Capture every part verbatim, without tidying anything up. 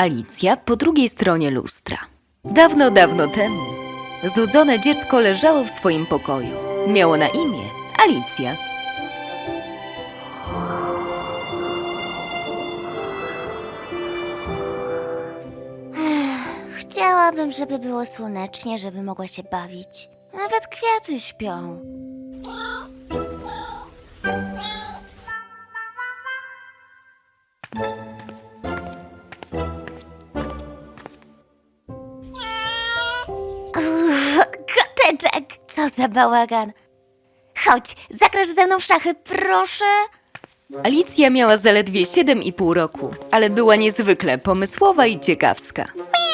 Alicja po drugiej stronie lustra. Dawno, dawno temu znudzone dziecko leżało w swoim pokoju. Miało na imię Alicja. Chciałabym, żeby było słonecznie, żeby mogła się bawić. Nawet kwiaty śpią. Uff, koteczek! Co za bałagan. Chodź, zagrasz ze mną w szachy, proszę. Alicja miała zaledwie siedem i pół roku, ale była niezwykle pomysłowa i ciekawska.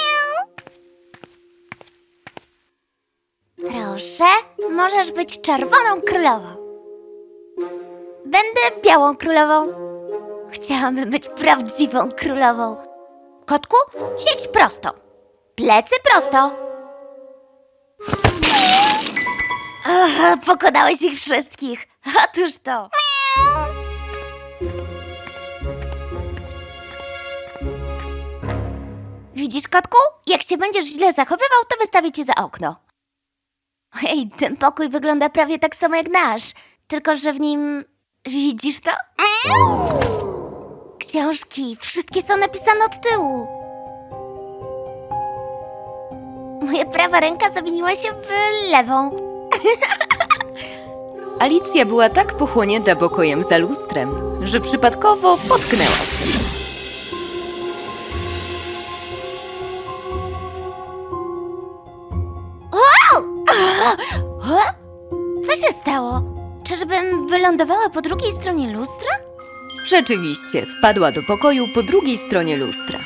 Proszę, możesz być czerwoną królową. Będę białą królową. Chciałabym być prawdziwą królową. Kotku, siedź prosto. Plecy prosto. Ach, pokonałeś ich wszystkich. Otóż to. Widzisz, kotku? Jak się będziesz źle zachowywał, to wystawię cię za okno. Hej, ten pokój wygląda prawie tak samo jak nasz, tylko że w nim... Widzisz to? Książki, wszystkie są napisane od tyłu. Moja prawa ręka zamieniła się w lewą. Alicja była tak pochłonięta pokojem za lustrem, że przypadkowo potknęła się. O? Co się stało? Czyżbym wylądowała po drugiej stronie lustra? Rzeczywiście, wpadła do pokoju po drugiej stronie lustra.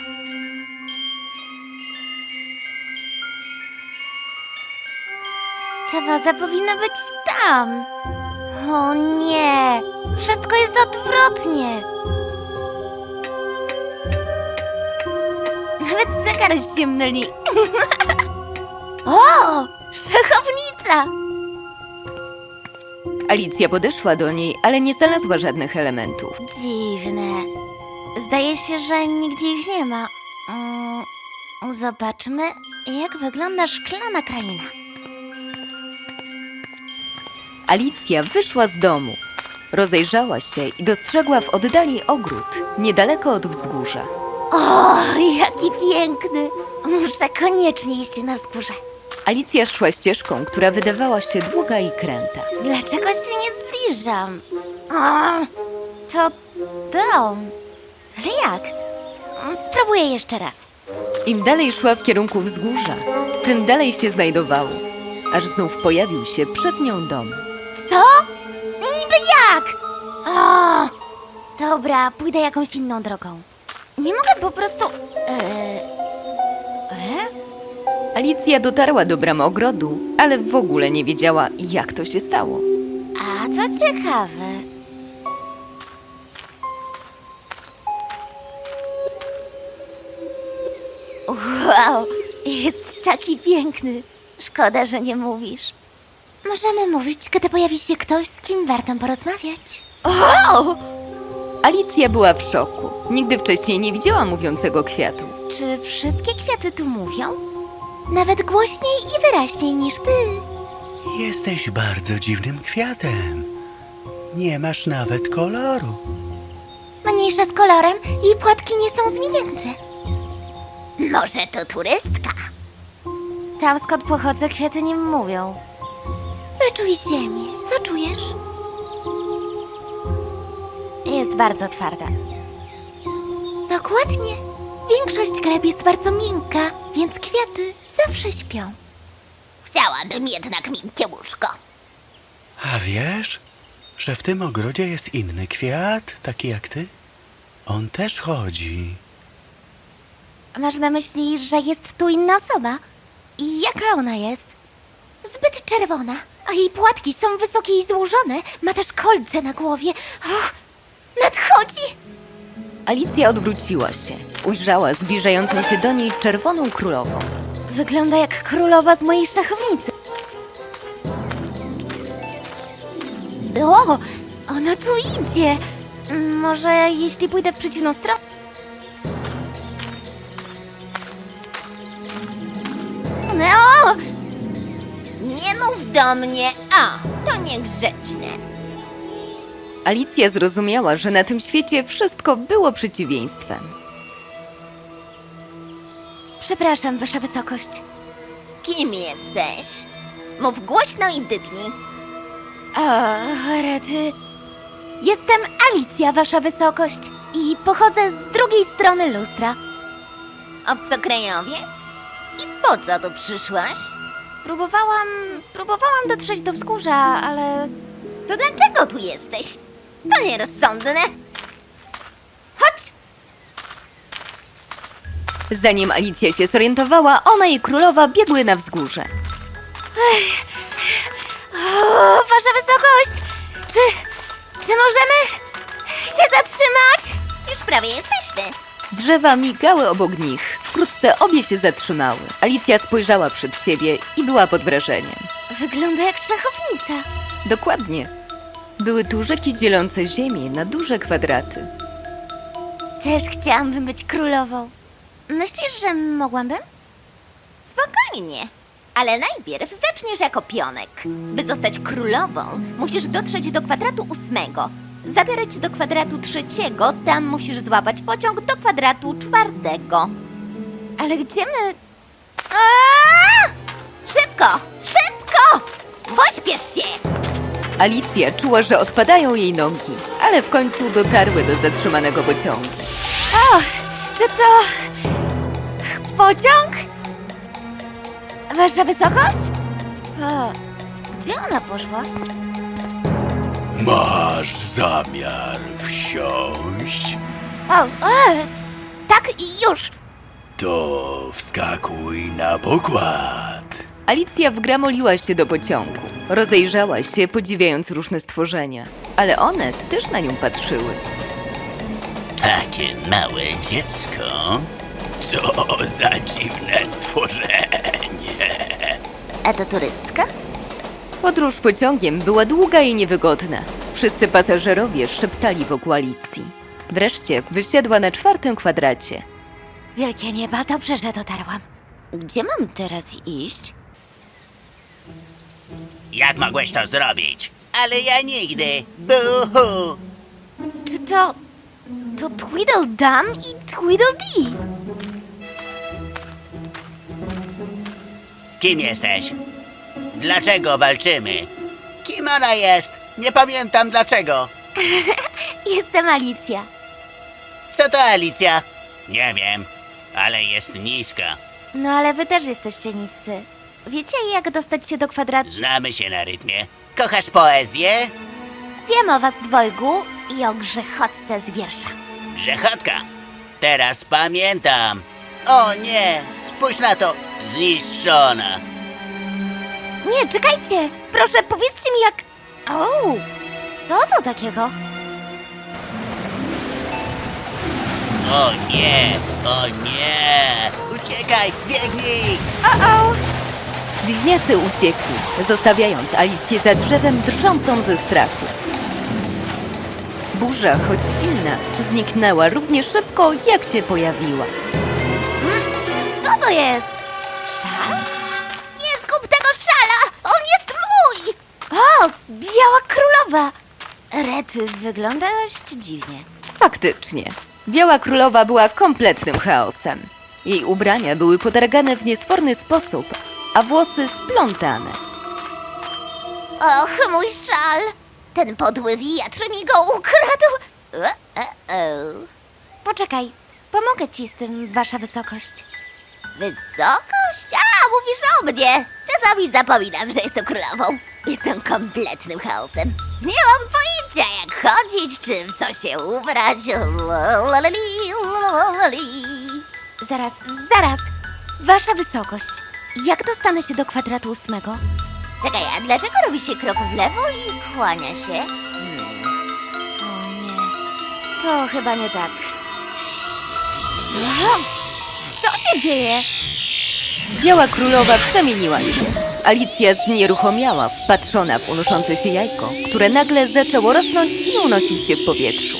Ta waza powinna być tam. O nie, wszystko jest odwrotnie. Nawet zegar się myli. O, szachownica! Alicja podeszła do niej, ale nie znalazła żadnych elementów. Dziwne. Zdaje się, że nigdzie ich nie ma. Mm, zobaczmy, jak wygląda szklana kraina. Alicja wyszła z domu. Rozejrzała się i dostrzegła w oddali ogród, niedaleko od wzgórza. O, jaki piękny! Muszę koniecznie iść na wzgórze. Alicja szła ścieżką, która wydawała się długa i kręta. Dlaczego się nie zbliżam? O, to dom. Ale jak? Spróbuję jeszcze raz. Im dalej szła w kierunku wzgórza, tym dalej się znajdowało, aż znów pojawił się przed nią dom. Co? Niby jak? O, dobra, pójdę jakąś inną drogą. Nie mogę po prostu... Eee, e? Alicja dotarła do bramy ogrodu, ale w ogóle nie wiedziała, jak to się stało. A co ciekawe... Wow, jest taki piękny. Szkoda, że nie mówisz. Możemy mówić, kiedy pojawi się ktoś, z kim warto porozmawiać. O! Alicja była w szoku. Nigdy wcześniej nie widziała mówiącego kwiatu. Czy wszystkie kwiaty tu mówią? Nawet głośniej i wyraźniej niż ty. Jesteś bardzo dziwnym kwiatem. Nie masz nawet koloru. Mniejsza z kolorem i płatki nie są zwinięte. Może to turystka? Tam, skąd pochodzę, kwiaty nie mówią. Wyczuj ziemię. Co czujesz? Jest bardzo twarda. Dokładnie. Większość gleb jest bardzo miękka, więc kwiaty zawsze śpią. Chciałabym jednak miękkie łóżko. A wiesz, że w tym ogrodzie jest inny kwiat, taki jak ty? On też chodzi. Masz na myśli, że jest tu inna osoba? I jaka ona jest? Zbyt czerwona, a jej płatki są wysokie i złożone. Ma też kolce na głowie. Och, nadchodzi! Alicja odwróciła się. Ujrzała zbliżającą się do niej czerwoną królową. Wygląda jak królowa z mojej szachownicy. O, ona tu idzie. Może jeśli pójdę w przeciwną stronę? Romeo! Nie mów do mnie, a, to niegrzeczne. Alicja zrozumiała, że na tym świecie wszystko było przeciwieństwem. Przepraszam, wasza wysokość. Kim jesteś? Mów głośno i dygnij. O, rety. Jestem Alicja, wasza wysokość. I pochodzę z drugiej strony lustra. Obcokrajowiec? I po co tu przyszłaś? Próbowałam... próbowałam dotrzeć do wzgórza, ale... To dlaczego tu jesteś? To nierozsądne. Chodź! Zanim Alicja się zorientowała, ona i królowa biegły na wzgórze. O, wasza wysokość! Czy... czy możemy się zatrzymać? Już prawie jesteśmy. Drzewa migały obok nich. Wkrótce obie się zatrzymały. Alicja spojrzała przed siebie i była pod wrażeniem. Wygląda jak szachownica. Dokładnie. Były tu rzeki dzielące ziemię na duże kwadraty. Też chciałabym być królową. Myślisz, że mogłabym? Spokojnie. Ale najpierw zaczniesz jako pionek. By zostać królową, musisz dotrzeć do kwadratu ósmego. Zabiorę cię do kwadratu trzeciego, tam musisz złapać pociąg do kwadratu czwartego. Ale gdzie my... Aaaa! Szybko! Szybko! Pośpiesz się! Alicja czuła, że odpadają jej nogi, ale w końcu dotarły do zatrzymanego pociągu. O! Czy to... pociąg? Wasza wysokość? O, gdzie ona poszła? Masz zamiar wsiąść? O, e, tak, już. To wskakuj na pokład. Alicja wgramoliła się do pociągu. Rozejrzała się, podziwiając różne stworzenia, ale one też na nią patrzyły. Takie małe dziecko? Co za dziwne stworzenie. A to turystka? Podróż pociągiem była długa i niewygodna. Wszyscy pasażerowie szeptali wokół Alicji. Wreszcie wysiadła na czwartym kwadracie. Wielkie nieba, dobrze, że dotarłam. Gdzie mam teraz iść? Jak mogłeś to zrobić? Ale ja nigdy. Buhu! Czy to... to Tweedledum i Tweedledee? Kim jesteś? Dlaczego walczymy? Kim ona jest? Nie pamiętam dlaczego. Jestem Alicja. Co to Alicja? Nie wiem, ale jest niska. No ale wy też jesteście niscy. Wiecie, jak dostać się do kwadratu? Znamy się na rytmie. Kochasz poezję? Wiem o was dwojgu i o grzechotce z wiersza. Grzechotka. Teraz pamiętam. O nie, spójrz na to. Zniszczona. Nie, czekajcie! Proszę, powiedzcie mi jak... O, co to takiego? O nie, o nie. Uciekaj, biegnij. O-o! Bliźniacy uciekli, zostawiając Alicję za drzewem drżącą ze strachu. Burza, choć silna, zniknęła równie szybko, jak się pojawiła. Co to jest? Szal? Nie zgub tego szala! On jest mój! O, biała królowa! Rety, wygląda dość dziwnie. Faktycznie, Biała Królowa była kompletnym chaosem. Jej ubrania były podargane w niesforny sposób, a włosy splątane. Och, mój szal! Ten podły wiatr mi go ukradł! E, e, e. Poczekaj, pomogę ci z tym, wasza wysokość. Wysokość? A, mówisz o mnie! Czasami zapominam, że jestem królową. Jestem kompletnym chaosem. Nie mam pojęcia, jak chodzić, czy w co się ubrać. Lalali, lalali. Zaraz, zaraz! Wasza wysokość, jak dostanę się do kwadratu ósmego? Czekaj, a dlaczego robi się krok w lewo i kłania się? Hmm. O nie, to chyba nie tak. No, co się dzieje? Biała Królowa przemieniła się. Alicja znieruchomiała, wpatrzona w unoszące się jajko, które nagle zaczęło rosnąć i unosić się w powietrzu.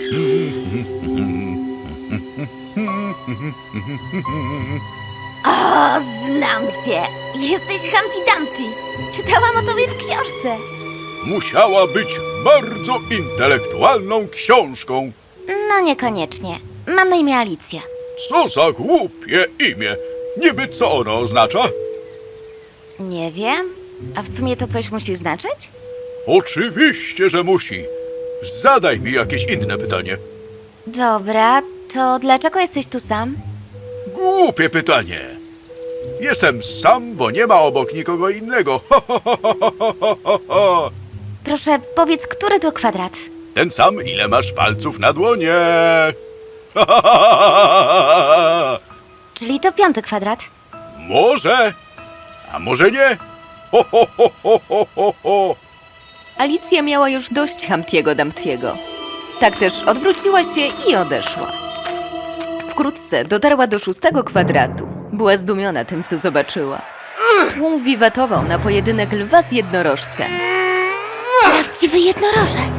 O, O, znam cię! Jesteś Humpty Dumpty. Czytałam o tobie w książce. Musiała być bardzo intelektualną książką. No niekoniecznie. Mam na imię Alicja. Co za głupie imię. Niby co ono oznacza? Nie wiem. A w sumie to coś musi znaczyć? Oczywiście, że musi. Zadaj mi jakieś inne pytanie. Dobra, to dlaczego jesteś tu sam? Głupie pytanie. Jestem sam, bo nie ma obok nikogo innego. Proszę, powiedz, który to kwadrat? Ten sam, ile masz palców na dłonie. Czyli to piąty kwadrat. Może, a może nie. Ho, ho, ho, ho, ho, ho, ho. Alicja miała już dość Humptiego Dumptiego. Tak też odwróciła się i odeszła. Wkrótce dotarła do szóstego kwadratu. Była zdumiona tym, co zobaczyła. Tłum wiwatował na pojedynek lwa z jednorożcem. Prawdziwy jednorożec.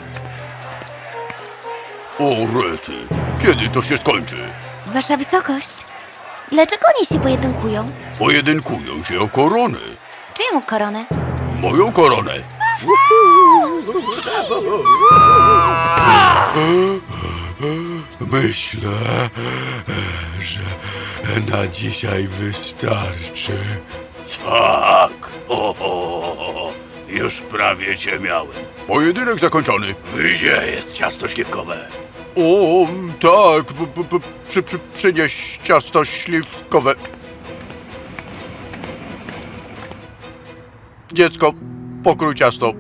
O rety, kiedy to się skończy? Wasza wysokość. Dlaczego oni się pojedynkują? Pojedynkują się o korony. Czyją koronę? Moją koronę. Myślę, że na dzisiaj wystarczy. Tak. O, o, już prawie cię miałem. Pojedynek zakończony. Gdzie jest ciasto śliwkowe? O, tak. P, p, p, przy, przy, przynieś ciasto śliwkowe. Dziecko, pokrój ciasto.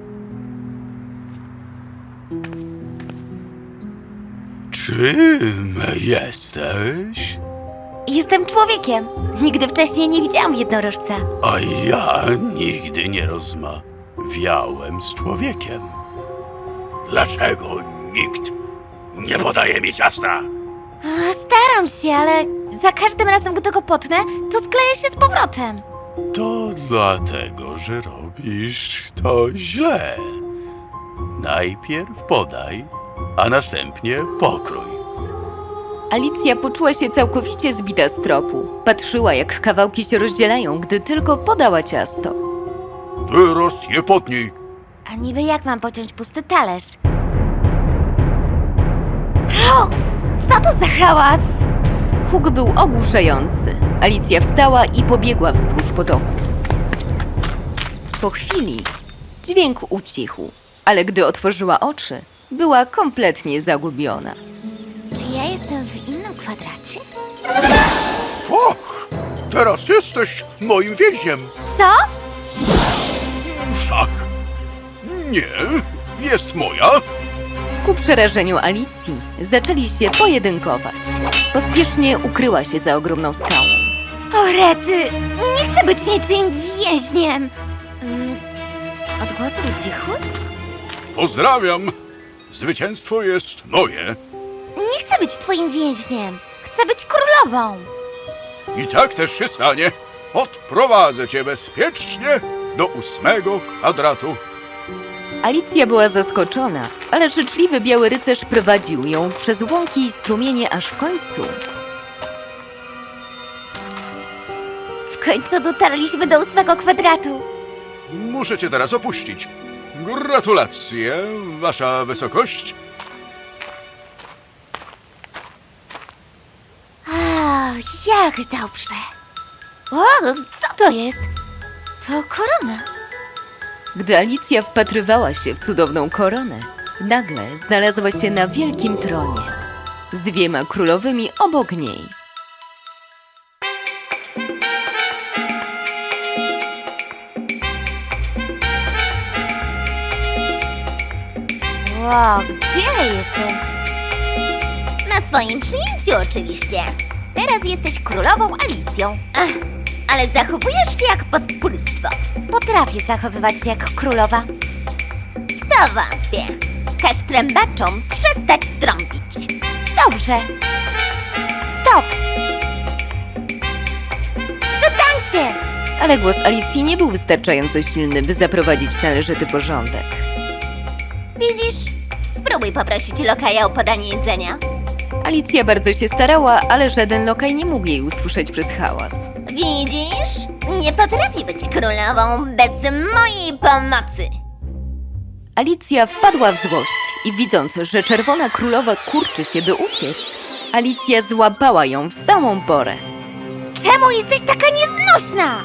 Czym jesteś? Jestem człowiekiem. Nigdy wcześniej nie widziałam jednorożca. A ja nigdy nie rozmawiałem z człowiekiem. Dlaczego nikt nie podaje mi ciasta? A, staram się, ale za każdym razem, gdy go potnę, to skleję się z powrotem. To dlatego, że robisz to źle. Najpierw podaj, a następnie pokrój. Alicja poczuła się całkowicie zbita z tropu. Patrzyła, jak kawałki się rozdzielają, gdy tylko podała ciasto. Teraz je potnij. A niby jak mam pociąć pusty talerz? O! Co to za hałas? Huk był ogłuszający. Alicja wstała i pobiegła wzdłuż potoku. Po chwili dźwięk ucichł, ale gdy otworzyła oczy, była kompletnie zagubiona. Czy ja jestem w innym kwadracie? Och, teraz jesteś moim więźniem. Co? Szach. Nie, jest moja. Ku przerażeniu Alicji zaczęli się pojedynkować. Pospiesznie ukryła się za ogromną skałą. O rety! Nie chcę być niczym więźniem! Mm, odgłosy ucichły? Pozdrawiam. Zwycięstwo jest moje. Nie chcę być twoim więźniem! Chcę być królową! I tak też się stanie. Odprowadzę cię bezpiecznie do ósmego kwadratu. Alicja była zaskoczona, ale życzliwy biały rycerz prowadził ją przez łąki i strumienie, aż w końcu... W końcu dotarliśmy do ósmego kwadratu. Muszę cię teraz opuścić. Gratulacje, wasza wysokość. A, jak dobrze! O, co to jest? To korona. Gdy Alicja wpatrywała się w cudowną koronę, nagle znalazła się na wielkim tronie z dwiema królowymi obok niej. Wow, gdzie ja jestem? Na swoim przyjęciu oczywiście. Teraz jesteś królową Alicją. Ach, ale zachowujesz się jak pospólstwo. Potrafię zachowywać się jak królowa. W to wątpię. Każ trębaczom przestać trąbić. Dobrze. Stop! Przestańcie! Ale głos Alicji nie był wystarczająco silny, by zaprowadzić należyty porządek. Widzisz? Spróbuj poprosić lokaja o podanie jedzenia. Alicja bardzo się starała, ale żaden lokaj nie mógł jej usłyszeć przez hałas. Widzisz? Nie potrafi być królową bez mojej pomocy. Alicja wpadła w złość i widząc, że czerwona królowa kurczy się, by uciec, Alicja złapała ją w samą porę. Czemu jesteś taka nieznośna?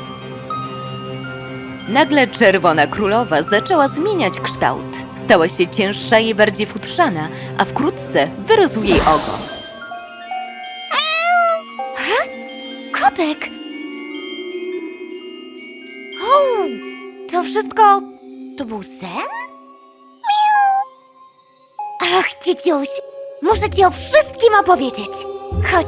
Nagle czerwona królowa zaczęła zmieniać kształt. Stała się cięższa i bardziej futrzana, a wkrótce wyrósł jej ogon. Kotek! O, to wszystko... to był sen? Miau. Ach, Kiciuś, muszę ci o wszystkim opowiedzieć. Chodź.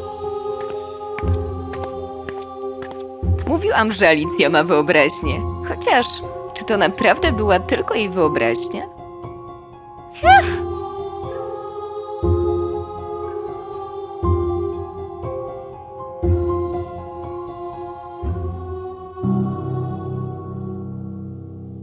Mówiłam, że Alicja ma wyobraźnię. Chociaż, czy to naprawdę była tylko jej wyobraźnia? Ach,